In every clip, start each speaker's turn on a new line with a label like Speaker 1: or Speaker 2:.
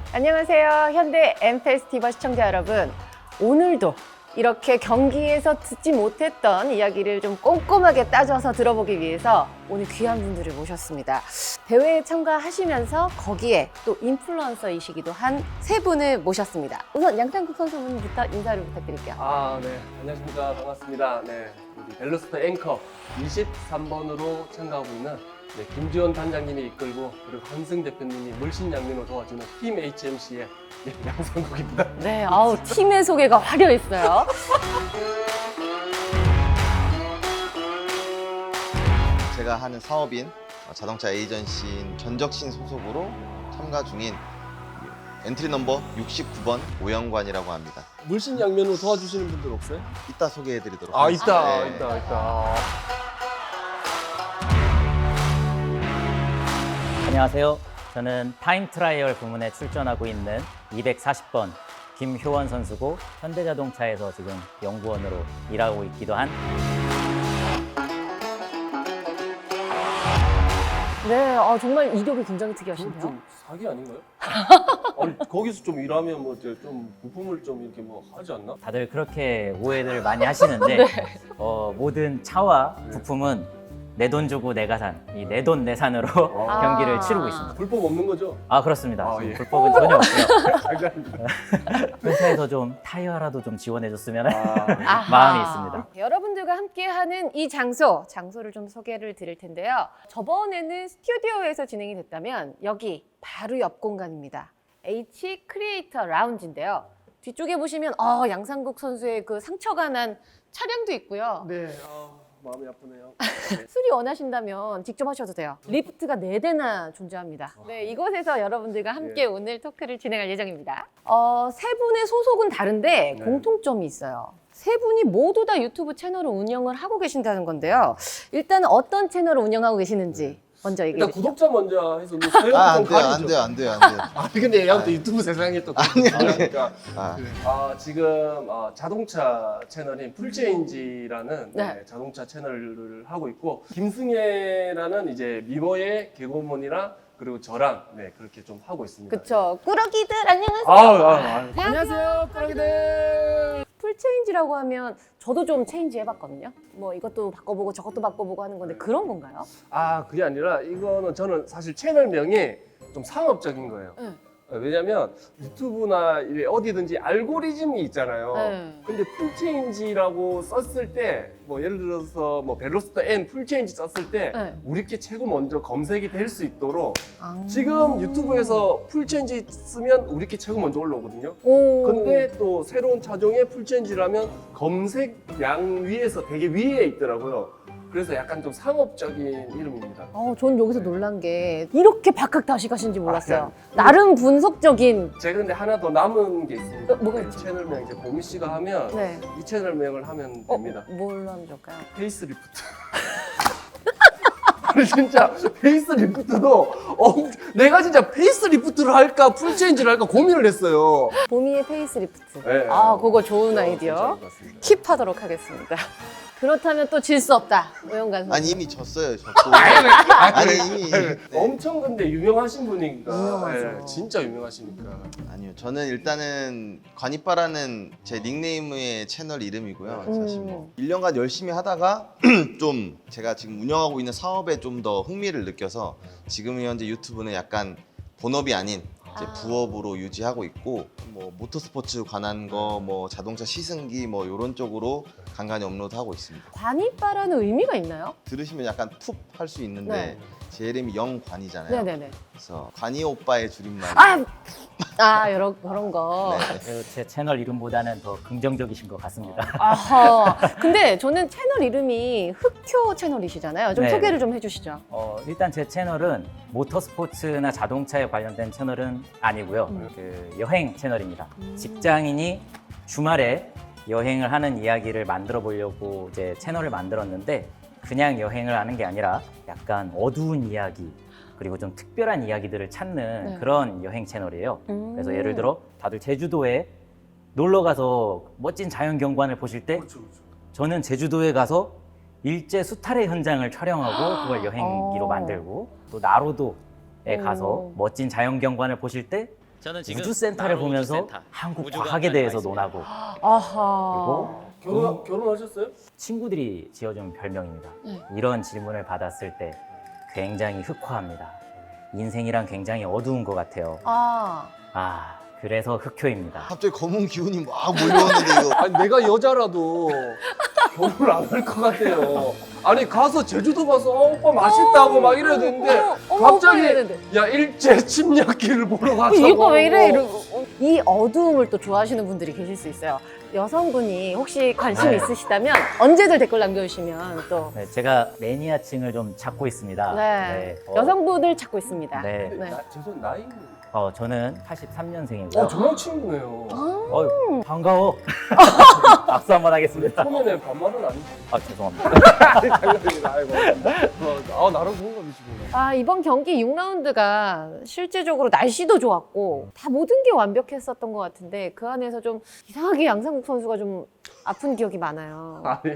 Speaker 1: 안녕하세요. 현대 M페스티벌 시청자 여러분. 오늘도 이렇게 경기에서 듣지 못했던 이야기를 좀 꼼꼼하게 따져서 들어보기 위해서 오늘 귀한 분들을 모셨습니다. 대회에 참가하시면서 거기에 또 인플루언서이시기도 한 세 분을 모셨습니다. 우선 양상국 선수분부터 인사를 부탁드릴게요.
Speaker 2: 네. 안녕하십니까. 반갑습니다. 네. 우리 벨로스터 앵커 23번으로 참가하고 있는 김지원 단장님이 이끌고 그리고 한승 대표님이 물신양면으로 도와주는 팀 HMC의 양상국입니다.
Speaker 1: 네, 팀의 소개가 화려했어요.
Speaker 3: 제가 하는 사업인 자동차 에이전시인 전적신 소속으로 참가 중인 엔트리 넘버 69번 오영관이라고 합니다.
Speaker 2: 물신양면으로 도와주시는 분들 없어요?
Speaker 3: 이따 소개해드리도록 하겠습니다.
Speaker 2: 있다.
Speaker 4: 안녕하세요. 저는 타임 트라이얼 부문에 출전하고 있는 240번 김효원 선수고 현대자동차에서 지금 연구원으로 일하고 있기도 한
Speaker 1: 네, 정말 이력이 굉장히 특이하신데요.
Speaker 2: 좀 사기 아닌가요? 아니, 거기서 좀 일하면 뭐 이제 좀 부품을 좀 이렇게 뭐 하지 않나?
Speaker 4: 다들 그렇게 오해를 많이 하시는데 모든 차와 부품은 내 돈 주고 내가 산, 이 내 돈 내산으로 경기를 치르고 있습니다.
Speaker 2: 불법 없는 거죠?
Speaker 4: 그렇습니다.
Speaker 2: 예.
Speaker 4: 불법은 전혀 없고요.
Speaker 2: 감사합니다.
Speaker 4: 회사에서 좀 타이어라도 좀 지원해줬으면
Speaker 1: 아하.
Speaker 4: 마음이 있습니다.
Speaker 1: 여러분들과 함께하는 이 장소를 좀 소개를 드릴 텐데요. 저번에는 스튜디오에서 진행이 됐다면 여기 바로 옆 공간입니다. H 크리에이터 라운지인데요. 뒤쪽에 보시면 양상국 선수의 그 상처가 난 차량도 있고요.
Speaker 2: 네, 마음이 아프네요.
Speaker 1: 수리 원하신다면 직접 하셔도 돼요. 리프트가 4대나 존재합니다. 네, 이곳에서 여러분들과 함께 오늘 토크를 진행할 예정입니다. 세 분의 소속은 다른데
Speaker 2: 네.
Speaker 1: 공통점이 있어요. 세 분이 모두 다 유튜브 채널을 운영을 하고 계신다는 건데요. 일단 어떤 채널을 운영하고 계시는지 먼저 얘기해
Speaker 2: 일단
Speaker 1: 주시죠.
Speaker 2: 구독자 먼저 해서 뭐 사연
Speaker 3: 안
Speaker 2: 좀
Speaker 3: 돼요,
Speaker 2: 가리죠.
Speaker 3: 안 돼요. 안 돼요.
Speaker 2: 근데 얘가 또 유튜브 세상에 또 그러니까
Speaker 3: 아,
Speaker 2: 지금 자동차 채널인 풀체인지라는
Speaker 1: 네.
Speaker 2: 자동차 채널을 하고 있고 김승혜라는 이제 미모의 개그우먼이랑 그리고 저랑 그렇게 좀 하고 있습니다.
Speaker 1: 그쵸. 꾸러기들 안녕하세요.
Speaker 2: 안녕하세요, 꾸러기들.
Speaker 1: 풀체인지라고 하면 저도 좀 체인지 해봤거든요. 뭐 이것도 바꿔보고 저것도 바꿔보고 하는 건데 그런 건가요?
Speaker 2: 그게 아니라 이거는 저는 사실 채널명이 좀 상업적인 거예요.
Speaker 1: 네.
Speaker 2: 왜냐면 유튜브나 이래 어디든지 알고리즘이 있잖아요.
Speaker 1: 네.
Speaker 2: 근데 풀체인지라고 썼을 때 뭐 예를 들어서 뭐 벨로스터 N 풀체인지 썼을 때
Speaker 1: 네.
Speaker 2: 우리께 최고 먼저 검색이 될 수 있도록 지금 유튜브에서 풀체인지 쓰면 우리께 최고 먼저 올라오거든요.
Speaker 1: 오.
Speaker 2: 근데 또 새로운 차종의 풀체인지라면 검색량 위에서 되게 위에 있더라고요. 그래서 약간 좀 상업적인 이름입니다.
Speaker 1: 전 여기서 놀란 게 이렇게 박학다시 가신지 몰랐어요.
Speaker 2: 네.
Speaker 1: 나름 분석적인.
Speaker 2: 제가 근데 하나 더 남은 게 있습니다.
Speaker 1: 뭐가 있죠?
Speaker 2: 채널명 이제 보미 씨가 하면
Speaker 1: 네.
Speaker 2: 이 채널명을 하면 됩니다.
Speaker 1: 뭘로 하면 좋을까요?
Speaker 2: 페이스리프트. 아니, 진짜 페이스리프트도 내가 진짜 페이스리프트를 할까 풀체인지를 할까 고민을 했어요.
Speaker 1: 보미의 페이스리프트.
Speaker 2: 네.
Speaker 1: 그거 좋은 아이디어.
Speaker 2: 괜찮은 것 같습니다.
Speaker 1: 킵하도록 하겠습니다. 그렇다면 또 질 수 없다. 오영관 선수.
Speaker 3: 아니 이미 졌어요. 졌고. 아니 이미. 네.
Speaker 2: 엄청 근데 유명하신 분이니까.
Speaker 1: 유명하죠.
Speaker 2: 진짜 유명하시니까.
Speaker 3: 아니요. 저는 일단은 관이빠라는 제 닉네임의 채널 이름이고요. 사실 뭐 1년간 열심히 하다가 좀 제가 지금 운영하고 있는 사업에 좀 더 흥미를 느껴서 지금 현재 유튜브는 약간 본업이 아닌 이제 부업으로 유지하고 있고 뭐 모터스포츠 관한 거, 뭐 자동차 시승기 뭐 이런 쪽으로 간간히 업로드하고 있습니다.
Speaker 1: 관이빠라는 의미가 있나요?
Speaker 3: 들으시면 약간 툭 할 수 있는데
Speaker 1: 네.
Speaker 3: 제 이름이 영관이잖아요.
Speaker 1: 네네네.
Speaker 3: 그래서 관이 오빠의 줄임말.
Speaker 1: 이런 거.
Speaker 3: 네.
Speaker 4: 제 채널 이름보다는 더 긍정적이신 것 같습니다.
Speaker 1: 아하. 근데 저는 채널 이름이 흑효 채널이시잖아요. 좀
Speaker 4: 네.
Speaker 1: 소개를 좀 해주시죠.
Speaker 4: 일단 제 채널은 모터스포츠나 자동차에 관련된 채널은 아니고요. 그 여행 채널입니다. 직장인이 주말에 여행을 하는 이야기를 만들어 보려고 이제 채널을 만들었는데 그냥 여행을 하는 게 아니라 약간 어두운 이야기 그리고 좀 특별한 이야기들을 찾는
Speaker 1: 네.
Speaker 4: 그런 여행 채널이에요. 그래서 예를 들어 다들 제주도에 놀러 가서 멋진 자연 경관을 보실 때 저는 제주도에 가서 일제 수탈의 현장을 촬영하고 그걸 여행기로 만들고 또 나로도에 가서 멋진 자연 경관을 보실 때 저는 지금 우주센터를 보면서 한국 과학에 대해서 논하고
Speaker 1: 아하.
Speaker 2: 결혼하셨어요?
Speaker 4: 친구들이 지어준 별명입니다.
Speaker 1: 네.
Speaker 4: 이런 질문을 받았을 때 굉장히 흑화합니다. 인생이란 굉장히 어두운 것 같아요. 그래서 흑효입니다.
Speaker 3: 갑자기 검은 기운이 막 몰려오는데 이거
Speaker 2: 아니 내가 여자라도 결혼을 안 할 것 같아요. 아니 가서 제주도 가서 오빠 맛있다고 막 이래야 되는데 갑자기 야 일제 침략기를 보러 가자고.
Speaker 1: 이 오빠 왜 이래? 이러고. 이 어두움을 또 좋아하시는 분들이 계실 수 있어요. 여성분이 혹시 관심
Speaker 4: 네.
Speaker 1: 있으시다면 언제든 댓글 남겨주시면 또.
Speaker 4: 네, 제가 매니아층을 좀 찾고 있습니다.
Speaker 1: 네. 여성분을 찾고 있습니다.
Speaker 4: 네.
Speaker 1: 네.
Speaker 2: 죄송 나이는.
Speaker 4: 저는 83년생이고요.
Speaker 2: 저랑 친구네요.
Speaker 4: 반가워. 박수 한번 하겠습니다.
Speaker 2: 초면에 반말은 아니지.
Speaker 4: 죄송합니다.
Speaker 2: 장난입니다. 아이고. 나랑 동갑이시구나.
Speaker 1: 이번 경기 6라운드가 실제적으로 날씨도 좋았고 다 모든 게 완벽했었던 것 같은데 그 안에서 좀 이상하게 양상국 선수가 좀 아픈 기억이 많아요.
Speaker 2: 아니.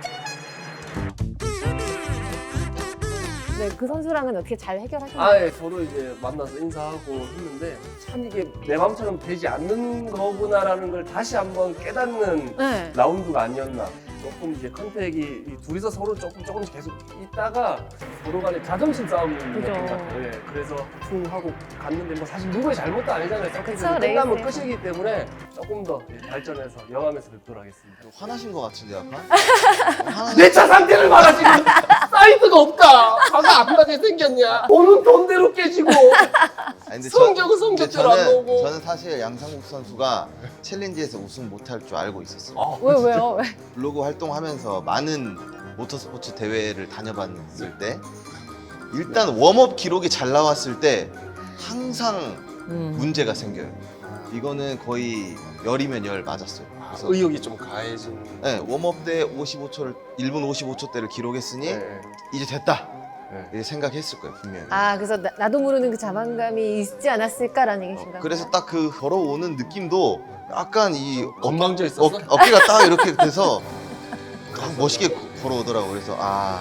Speaker 1: 네, 그 선수랑은 어떻게 잘 해결하셨나요?
Speaker 2: 예, 서로 이제 만나서 인사하고 했는데 참 이게 내 마음처럼 되지 않는 거구나라는 걸 다시 한번 깨닫는
Speaker 1: 네.
Speaker 2: 라운드가 아니었나. 조금 이제 컨택이 이 둘이서 서로 조금씩 계속 있다가 서로 간에 자존심 싸움이 있는
Speaker 1: 그죠.
Speaker 2: 것 같아요. 예, 그래서 하고 갔는데 뭐 사실 누구의 잘못도 아니잖아요.
Speaker 1: 그쵸,
Speaker 2: 끝나면
Speaker 1: 레이스에서.
Speaker 2: 끝이기 때문에 조금 더 발전해서 영암에서 뵙도록 하겠습니다.
Speaker 3: 화나신 것 같은데 약간?
Speaker 2: 내 차 상태를 봐라 지금 사이드가 없다. 차가 안 나게 생겼냐. 돈은 돈대로 깨지고
Speaker 3: 아니, 근데
Speaker 2: 성적은 성적대로 안 나오고.
Speaker 3: 저는 사실 양상국 선수가 챌린지에서 우승 못할 줄 알고 있었어요.
Speaker 1: 왜요? 왜?
Speaker 3: 블로그 활동하면서 많은 모터스포츠 대회를 다녀봤을 때 일단 웜업 기록이 잘 나왔을 때 항상 문제가 생겨요. 이거는 거의 열이면 열 맞았어요. 그래서
Speaker 2: 의욕이 좀 가해진.
Speaker 3: 네, 웜업 때 55초를 1분 55초대를 기록했으니
Speaker 2: 네.
Speaker 3: 이제 됐다.
Speaker 2: 네.
Speaker 3: 이렇게 생각했을 거예요 분명히.
Speaker 1: 그래서 나도 모르는 그 자만감이 있지 않았을까라는 얘기신가요?
Speaker 3: 그래서 딱 그 걸어오는 느낌도 약간 이
Speaker 2: 건방져 있었어?
Speaker 3: 어깨가 딱 이렇게 돼서 멋있게 걸어오더라고. 그래서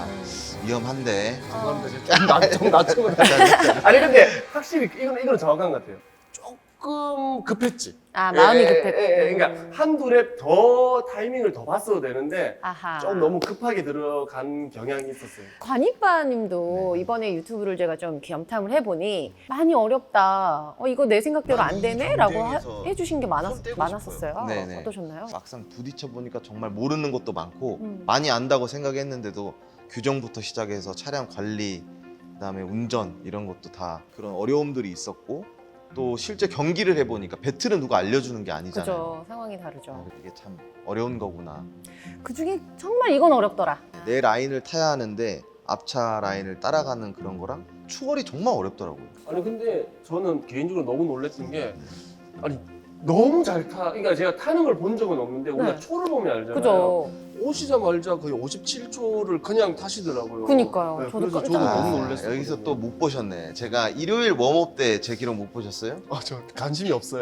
Speaker 3: 위험한데.
Speaker 2: 죄송합니다. 좀 낮춰. 아니 근데 확실히 이건 정확한 것 같아요. 조금 급했지.
Speaker 1: 마음이 급했고.
Speaker 2: 그러니까 한두 랩 더 타이밍을 더 봤어도 되는데
Speaker 1: 아하.
Speaker 2: 좀 너무 급하게 들어간 경향이 있었어요.
Speaker 1: 관이빠님도 이번에 유튜브를 제가 좀 겸탐을 해보니 많이 어렵다. 이거 내 생각대로 안 되네? 라고
Speaker 3: 경쟁에서
Speaker 1: 해주신 게
Speaker 3: 손 떼고
Speaker 1: 많았었어요.
Speaker 3: 싶어요. 네네.
Speaker 1: 어떠셨나요?
Speaker 3: 막상 부딪혀 보니까 정말 모르는 것도 많고
Speaker 1: 음.
Speaker 3: 많이 안다고 생각했는데도 규정부터 시작해서 차량 관리, 그다음에 운전 이런 것도 다 그런 어려움들이 있었고 또 실제 경기를 해보니까 배틀은 누가 알려주는 게 아니잖아요.
Speaker 1: 그죠. 상황이 다르죠.
Speaker 3: 이게 참 어려운 거구나.
Speaker 1: 그 중에 정말 이건 어렵더라.
Speaker 3: 내 라인을 타야 하는데 앞차 라인을 따라가는 그런 거랑 추월이 정말 어렵더라고요.
Speaker 2: 아니 근데 저는 개인적으로 너무 놀랐던 게 아니 너무 잘 타. 그러니까 제가 타는 걸 본 적은 없는데 우리가
Speaker 1: 네.
Speaker 2: 초를 보면 알잖아요.
Speaker 1: 그죠.
Speaker 2: 오시자마자 거의 57초를 그냥 타시더라고요.
Speaker 1: 그니까요.
Speaker 2: 네,
Speaker 1: 저도
Speaker 2: 그래서
Speaker 1: 깜짝
Speaker 2: 저도
Speaker 1: 놀랐어요.
Speaker 2: 너무 놀랐어요.
Speaker 3: 여기서 또 못 보셨네. 제가 일요일 웜업 때 제 기록 못 보셨어요?
Speaker 2: 저 관심이 없어요.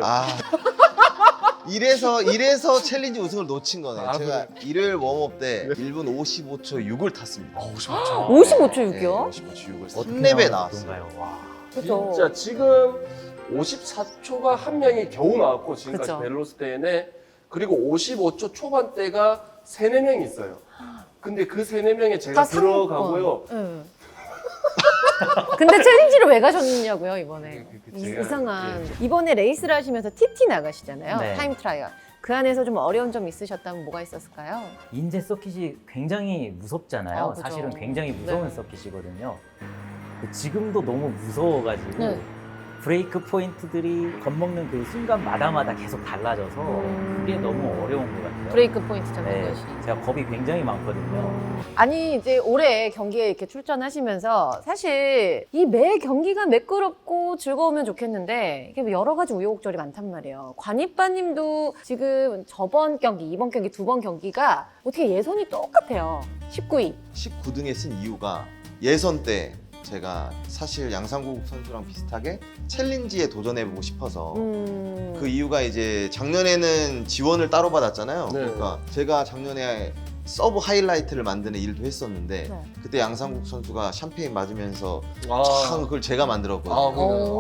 Speaker 3: 이래서 챌린지 우승을 놓친 거네요.
Speaker 2: 아,
Speaker 3: 제가 일요일 웜업 때 1분 55초 6을 탔습니다.
Speaker 2: 55초.
Speaker 1: 55초
Speaker 3: 네,
Speaker 1: 6이요?
Speaker 3: 55초 6을
Speaker 4: 어떻게
Speaker 3: 3렙에
Speaker 4: 나와서
Speaker 3: 나왔어요.
Speaker 4: 그런가요? 와.
Speaker 1: 그죠.
Speaker 2: 진짜 지금 54초가 한 명이 겨우 나왔고 지금까지
Speaker 1: 그쵸.
Speaker 2: 벨로스 때에 그리고 55초 초반대가 3, 4명이 있어요. 근데 그 3, 4명에 제가
Speaker 1: 다
Speaker 2: 들어가고요.
Speaker 1: 응. 근데 챌린지를 왜 가셨냐고요 이번에.
Speaker 2: 제가,
Speaker 1: 이상한. 이번에 레이스를 하시면서 TT 나가시잖아요.
Speaker 4: 네.
Speaker 1: 타임 트라이얼. 그 안에서 좀 어려운 점 있으셨다면 뭐가 있었을까요?
Speaker 4: 인제 서킷이 굉장히 무섭잖아요.
Speaker 1: 그죠.
Speaker 4: 사실은 굉장히 무서운
Speaker 1: 네.
Speaker 4: 서킷이거든요. 지금도 너무 무서워가지고
Speaker 1: 네.
Speaker 4: 브레이크 포인트들이 겁먹는 그 순간마다마다 계속 달라져서 그게 너무 어려운 것 같아요.
Speaker 1: 브레이크 포인트 잡는
Speaker 4: 네,
Speaker 1: 것이.
Speaker 4: 제가 겁이 굉장히 많거든요.
Speaker 1: 아니 이제 올해 경기에 이렇게 출전하시면서 사실 이 매 경기가 매끄럽고 즐거우면 좋겠는데 이게 여러 가지 우여곡절이 많단 말이에요. 관이빠님도 지금 저번 경기, 이번 경기 두 번 경기가 어떻게 예선이 똑같아요. 19위.
Speaker 3: 19등에 쓴 이유가 예선 때 제가 사실 양상국 선수랑 비슷하게 챌린지에 도전해보고 싶어서 그 이유가 이제 작년에는 지원을 따로 받았잖아요.
Speaker 2: 네.
Speaker 3: 그러니까 제가 작년에 서브 하이라이트를 만드는 일도 했었는데
Speaker 1: 네.
Speaker 3: 그때 양상국 선수가 샴페인 맞으면서
Speaker 2: 아,
Speaker 3: 참 그걸 제가 만들었거든요.
Speaker 2: 아,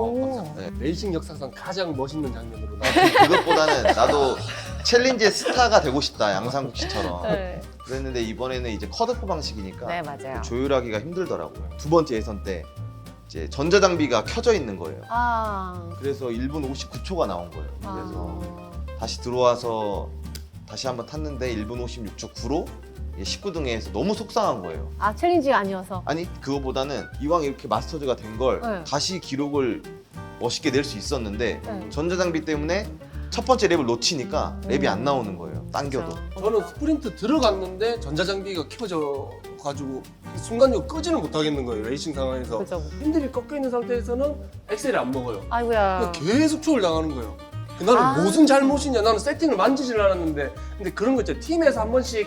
Speaker 1: 오.
Speaker 3: 네.
Speaker 2: 레이싱 역사상 가장 멋있는 장면으로 나.
Speaker 3: 그것보다는 나도 챌린지의 스타가 되고 싶다, 양상국 씨처럼.
Speaker 1: 네.
Speaker 3: 그랬는데 이번에는 이제 컷오프 방식이니까
Speaker 1: 네, 맞아요.
Speaker 3: 조율하기가 힘들더라고요. 두 번째 예선 때 이제 전자장비가 켜져 있는 거예요.
Speaker 1: 아.
Speaker 3: 그래서 1분 59초가 나온 거예요. 그래서
Speaker 1: 아.
Speaker 3: 다시 들어와서 다시 한번 탔는데 1분 56초 9로 19등에서 너무 속상한 거예요.
Speaker 1: 아, 챌린지가 아니어서.
Speaker 3: 아니 그거보다는 이왕 이렇게 마스터즈가 된 걸
Speaker 1: 네.
Speaker 3: 다시 기록을 멋있게 낼 수 있었는데
Speaker 1: 네.
Speaker 3: 전자장비 때문에 첫 번째 랩을 놓치니까 랩이 안 나오는 거예요. 당겨도.
Speaker 1: 그렇죠.
Speaker 2: 저는 스프린트 들어갔는데 전자장비가 켜져 가지고 순간적으로 끄지를 못하겠는 거예요. 레이싱 상황에서.
Speaker 1: 그죠.
Speaker 2: 핸들이 꺾여 있는 상태에서는 엑셀이 안 먹어요.
Speaker 1: 아이고야.
Speaker 2: 그러니까 계속 초월 당하는 거예요. 나는
Speaker 1: 아.
Speaker 2: 무슨 잘못이냐. 나는 세팅을 만지질 않았는데. 근데 그런 거 있잖아요. 팀에서 한 번씩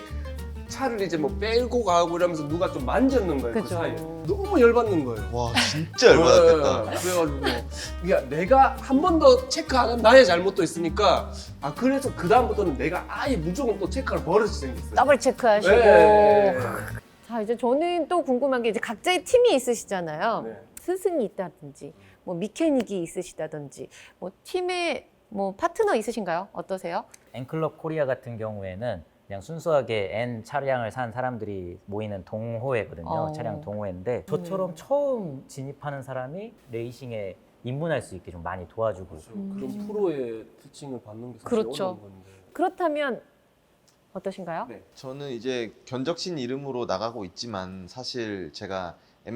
Speaker 2: 차를 이제 뭐 빼고 가고 이러면서 누가 좀 만졌는 거예요. 그
Speaker 1: 그죠.
Speaker 2: 사이에. 너무 열받는 거예요.
Speaker 3: 와 진짜 열받았겠다.
Speaker 2: 네, 그래가지고 그러니까 내가 한 번 더 체크 안 하면 나의 잘못도 있으니까 그래서 그 다음부터는 내가 아예 무조건 또 체크할 버릇이 생겼어요.
Speaker 1: 더블 체크하시고.
Speaker 2: 네.
Speaker 1: 자, 이제 저는 또 궁금한 게 이제 각자의 팀이 있으시잖아요.
Speaker 2: 네.
Speaker 1: 스승이 있다든지, 뭐 미케닉이 있으시다든지, 뭐 팀에 뭐 파트너 있으신가요? 어떠세요?
Speaker 4: N클럽 코리아 같은 경우에는 그냥 순수하게 N 차량을 산 사람들이 모이는 동호회거든요.
Speaker 1: 어.
Speaker 4: 차량 동호회인데 저처럼 처음 진입하는 사람이 레이싱에 입문할 수 있게 좀 많이 도와주고
Speaker 2: 그런 프로의 티칭을 받는 게 사실
Speaker 1: 그렇죠.
Speaker 2: 어려운 건데.
Speaker 1: 그렇다면 어떠신가요?
Speaker 2: 네.
Speaker 3: 저는 이제 견적신 이름으로 나가고 있지만 사실 제가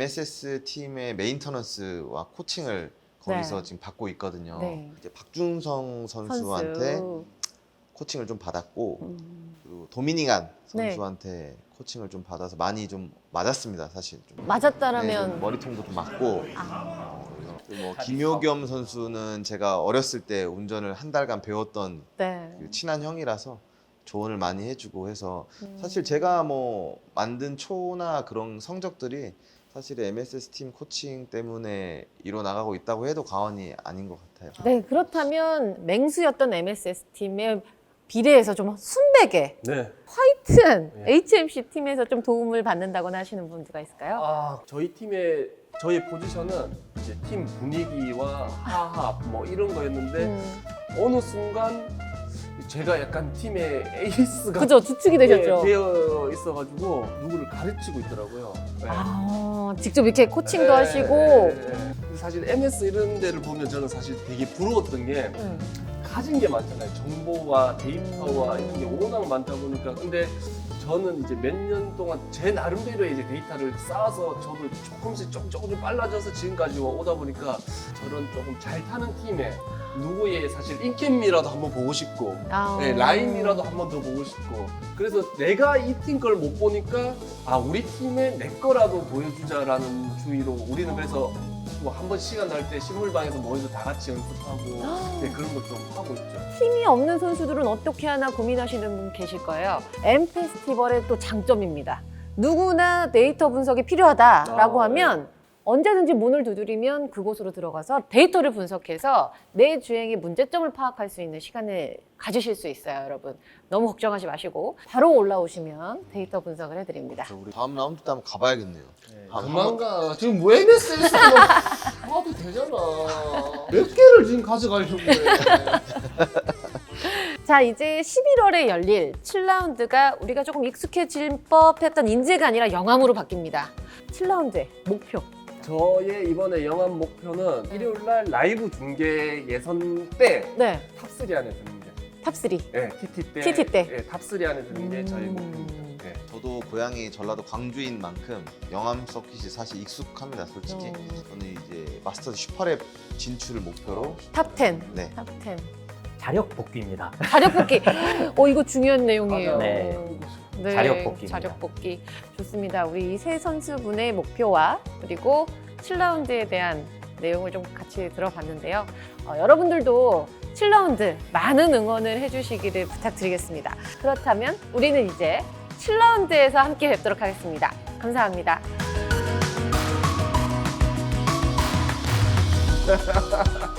Speaker 3: MSS 팀의 메인터넌스와 코칭을 거기서
Speaker 1: 네.
Speaker 3: 지금 받고 있거든요.
Speaker 1: 네.
Speaker 3: 이제 박준성 선수한테
Speaker 1: 선수.
Speaker 3: 코칭을 좀 받았고
Speaker 1: 음.
Speaker 3: 그리고 도미니간
Speaker 1: 네.
Speaker 3: 선수한테 코칭을 좀 받아서 많이 좀 맞았습니다. 사실 좀. 네,
Speaker 1: 맞았다라면
Speaker 3: 좀 머리통도 좀 맞고
Speaker 1: 아,
Speaker 3: 그리고 뭐 김효겸 선수는 제가 어렸을 때 운전을 한 달간 배웠던
Speaker 1: 네.
Speaker 3: 그 친한 형이라서 조언을 많이 해주고 해서
Speaker 1: 음.
Speaker 3: 사실 제가 뭐 만든 초나 그런 성적들이 사실 MSS 팀 코칭 때문에 이뤄나가고 있다고 해도 과언이 아닌 것 같아요.
Speaker 1: 네, 그렇다면 맹수였던 MSS 팀에 비례해서 좀 순백에
Speaker 2: 네.
Speaker 1: 하여튼
Speaker 2: 네.
Speaker 1: HMC 팀에서 좀 도움을 받는다거나 하시는 분들가 있을까요?
Speaker 2: 저희 팀의 저희 포지션은 이제 팀 분위기와 화합 뭐 이런 거였는데 어느 순간 제가 약간 팀의 에이스가
Speaker 1: 그죠, 주축이 되셨죠.
Speaker 2: 되어 있어가지고 누구를 가르치고 있더라고요. 네.
Speaker 1: 아, 직접 이렇게 코칭도
Speaker 2: 네,
Speaker 1: 하시고.
Speaker 2: 네, 네. 사실 MS 이런 데를 보면 저는 사실 되게 부러웠던 게 가진 게 많잖아요. 정보와 데이터와 이런 게 워낙 많다 보니까. 근데 저는 이제 몇 년 동안 제 나름대로의 이제 데이터를 쌓아서 저도 조금씩 조금 빨라져서 지금까지 오다 보니까 저런 조금 잘 타는 팀에 누구의 사실 인캠이라도 한번 보고 싶고
Speaker 1: 아.
Speaker 2: 네, 라인이라도 한번 더 보고 싶고 그래서 내가 이 팀 걸 못 보니까 우리 팀에 내 거라도 보여주자라는 주의로 우리는 그래서 뭐 한 번 시간 날 때 식물방에서 모여서 다 같이 연습하고 네, 그런 것 좀 하고 있죠.
Speaker 1: 힘이 없는 선수들은 어떻게 하나 고민하시는 분 계실 거예요. M 페스티벌의 또 장점입니다. 누구나 데이터 분석이 필요하다라고
Speaker 2: 아,
Speaker 1: 하면 언제든지 문을 두드리면 그곳으로 들어가서 데이터를 분석해서 내 주행의 문제점을 파악할 수 있는 시간을 가지실 수 있어요, 여러분. 너무 걱정하지 마시고 바로 올라오시면 데이터 분석을 해드립니다.
Speaker 3: 우리 다음 라운드 때 한번 가봐야겠네요.
Speaker 2: 그만 가. 지금 뭐 MS에서 봐도 되잖아. 몇 개를 지금 가져가려고 해.
Speaker 1: 자, 이제 11월에 열릴 7라운드가 우리가 조금 익숙해질 법했던 인재가 아니라 영암으로 바뀝니다. 7라운드의 목표.
Speaker 2: 저의 이번에 영암 목표는 일요일 날 라이브 중계 예선 때
Speaker 1: 네,
Speaker 2: 탑3 안에 드는 게.
Speaker 1: 탑3.
Speaker 2: 네, TT 때.
Speaker 1: TT 때.
Speaker 2: 네, 탑3 안에 드는 게 저희 목표입니다. 네.
Speaker 3: 저도 고향이 전라도 광주인 만큼 영암 서킷이 사실 익숙합니다, 솔직히. 저는 이제 마스터즈 슈퍼랩 진출을 목표로
Speaker 1: 탑10.
Speaker 3: 네.
Speaker 1: 탑10.
Speaker 4: 자력 복귀입니다.
Speaker 1: 자력 복귀. 이거 중요한 내용이에요.
Speaker 4: 네.
Speaker 1: 네,
Speaker 4: 자력 복귀입니다.
Speaker 1: 자력 복귀. 좋습니다. 우리 이 세 선수분의 목표와 그리고 7라운드에 대한 내용을 좀 같이 들어봤는데요. 여러분들도 7라운드 많은 응원을 해주시기를 부탁드리겠습니다. 그렇다면 우리는 이제 7라운드에서 함께 뵙도록 하겠습니다. 감사합니다.